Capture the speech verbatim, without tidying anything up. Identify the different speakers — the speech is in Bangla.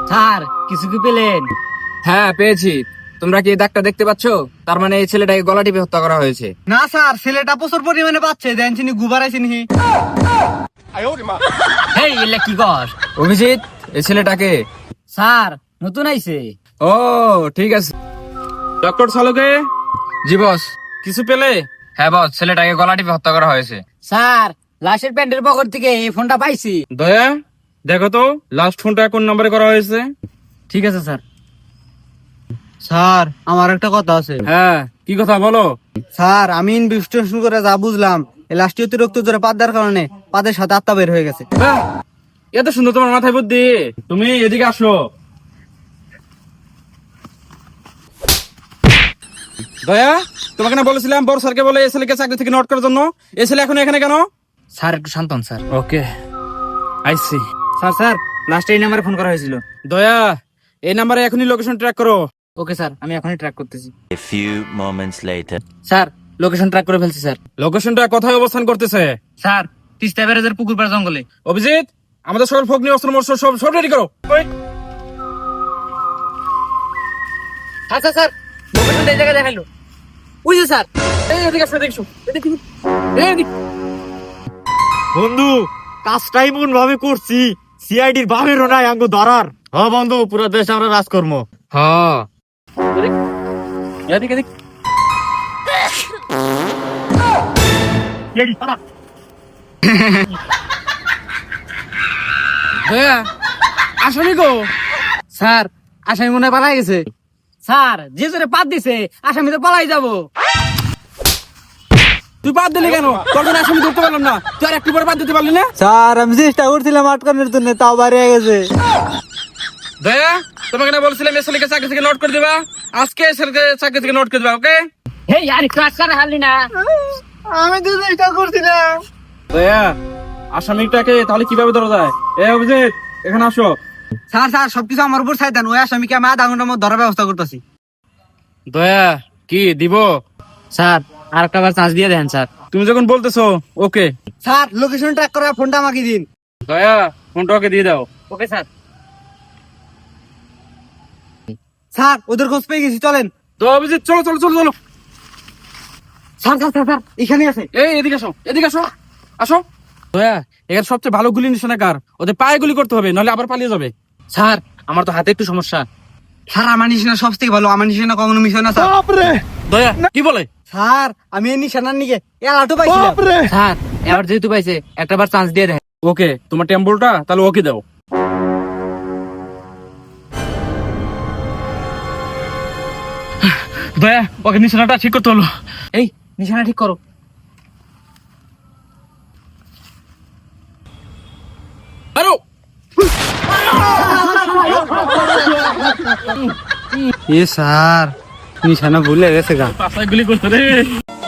Speaker 1: স্যার কিছু কি পেলেন?
Speaker 2: হ্যাঁ পেয়েছি। তোমরা কি এই দাগটা দেখতে পাচ্ছ? তার মানে এই ছেলেটাকে গলা টিপে হত্যা করা হয়েছে।
Speaker 3: না স্যার, ছেলেটা প্রচুর পরিমাণে পাচ্ছে, দেন চিনি গুবার আইছিনি।
Speaker 1: এই এলে কি কর?
Speaker 2: অভিজিৎ, এই ছেলেটাকে।
Speaker 1: স্যার নতুন আইছে।
Speaker 2: ও ঠিক আছে। ডক্টর সালুকে। জি বস। কিছু পেলে? হ্যাঁ বস, ছেলেটাকে গলা টিপে হত্যা করা হয়েছে।
Speaker 1: স্যার লাশের প্যান্টের পকেট থেকে এই ফোনটা পাইছি।
Speaker 2: দয়া দেখো তো লাস্ট ফোনটা কোন নম্বরে করা হয়েছে।
Speaker 1: ঠিক আছে স্যার।
Speaker 3: স্যার আমার একটা কথা আছে।
Speaker 2: হ্যাঁ কি কথা বলো।
Speaker 3: স্যার আমি ইনভেস্টিগেশন করে যা বুঝলাম, এই লাশটি অতিরিক্ত জোরে পাত দেওয়ার কারণে পাদের সাথে আত্মা বের হয়ে গেছে।
Speaker 2: হ্যাঁ, এত সুন্দর তোমার মাথায় বুদ্ধি। তুমি এদিকে আসো। দয়া, তোমাকে না বলেছিলাম বড় স্যারকে বলে এই ছেলেকে চাকরি থেকে নোট করার জন্য। এই ছেলে এখন এখানে কেন?
Speaker 1: স্যার একটু শান্ত হন sir.
Speaker 2: Okay I.
Speaker 1: See sir লাস্টে এই নাম্বারে ফোন করা হয়েছিল।
Speaker 2: দয়া, এই নাম্বারে এখনই লোকেশন ট্র্যাক করো।
Speaker 1: ওকে স্যার, আমি এখনই ট্র্যাক করতেছি।
Speaker 4: A few moments later.
Speaker 1: Sir location track করে ফেলছি স্যার।
Speaker 2: লোকেশনটা কোথায় অবস্থান করতেছে?
Speaker 1: স্যার তিস্তা ব্যারেজের পুকুর পাড় জঙ্গলে।
Speaker 2: অভিজিৎ, আমাদের সকল ফগ্নি অস্ত্র মস্ত্র সব সব রেডি করো। ওই,
Speaker 1: আচ্ছা স্যার লোকেশন এই জায়গায় দেখাইলো। ওই যে স্যার।
Speaker 2: এই এদিকে আসো, এদিকে আসো, এদিকে, এই এদিকে।
Speaker 5: বন্ধু কাজটাই মন ভাবে করছি, সিআইডির ভাবেরও নাই আঙ্গ ধরার। হ বন্ধু, পুরো দেশ আমরা রাজকর্ম।
Speaker 2: হ্যাঁ এদিকে, এদিকে। দয়া, আসনি গো।
Speaker 1: স্যার আসামি মনে হয় পালাই গেছে। স্যার যে জোরে পাত দিছে আসামি তো পালাই যাবো।
Speaker 2: তুই বাদ দিলি কেন? তোর জন্য আসামি ধরতে পারলাম না। তুই আর একটু পরে বাদ দিতে পারলি না?
Speaker 3: স্যার আমি চেষ্টা করছিলাম আটকানোর জন্য, তাও বাইরে গেছে।
Speaker 2: দয়া, তোমাকে না বলছিলাম এই ছেলেকে চাকরি থেকে নোট করে দিবা। আজকে এই ছেলেকে চাকরি থেকে নোট করে দিবা। ওকে
Speaker 1: হেই আরে ক্লাস করে হারলি না।
Speaker 3: আমি তো চেষ্টা করছিলাম।
Speaker 2: দয়া, আসামিটাকে তাহলে কিভাবে ধরা যায়? এ অভিজিৎ, এখানে আসো।
Speaker 3: স্যার স্যার সবকিছু আমার উপর ছাই দেন, ওই আসামিকে আমি আধা ঘন্টার মধ্যে ধরার ব্যবস্থা করতেছি।
Speaker 2: দয়া কি দিব?
Speaker 1: স্যার আর একটা বার চান্স দিয়ে দেন স্যার।
Speaker 2: তুমি যখন বলতেছো ওকে।
Speaker 3: স্যার লোকেশন ট্র্যাক করার ফোনটা আমাকে দিন।
Speaker 2: দয়া, ফোনটা ওকে দিয়ে দাও।
Speaker 1: Okay sir.
Speaker 3: স্যার ওদের খোঁজ পেয়ে গেছি, চলেন।
Speaker 2: তো অভিজিৎ চলো চলো চলো চলো।
Speaker 3: স্যার স্যার স্যার স্যার এখানে আছে।
Speaker 2: এই এদিকে আসো, এদিকে আসো, আসো। দয়া, এখানে সবচেয়ে ভালো গুলি নিশানা কার? ওদের পায়ে গুলি করতে হবে, নাহলে আবার পালিয়ে যাবে।
Speaker 1: স্যার আমার তো হাতে একটু সমস্যা।
Speaker 3: স্যার আমার নিশানা সব থেকে ভালো, আমার নিশানা কখনো মিশে না স্যার।
Speaker 2: দয়া কি বলে?
Speaker 3: স্যার আমি এই নিশানার নিকে এলাটো পাইছিলাম।
Speaker 1: স্যার এবার যেহেতু পাইছে একটা বার চান্স দিয়ে দেন।
Speaker 2: ওকে, তোমার টেম্পলটা তাহলে ওকে দাও। দয়া, ওকে নিশানাটা ঠিক করতে হলো।
Speaker 1: এই নিশানা ঠিক করো।
Speaker 2: আরো
Speaker 3: এ স্যার নিশানা ভুলে গেছে গা।
Speaker 2: পাশায় গুলি করতে রে।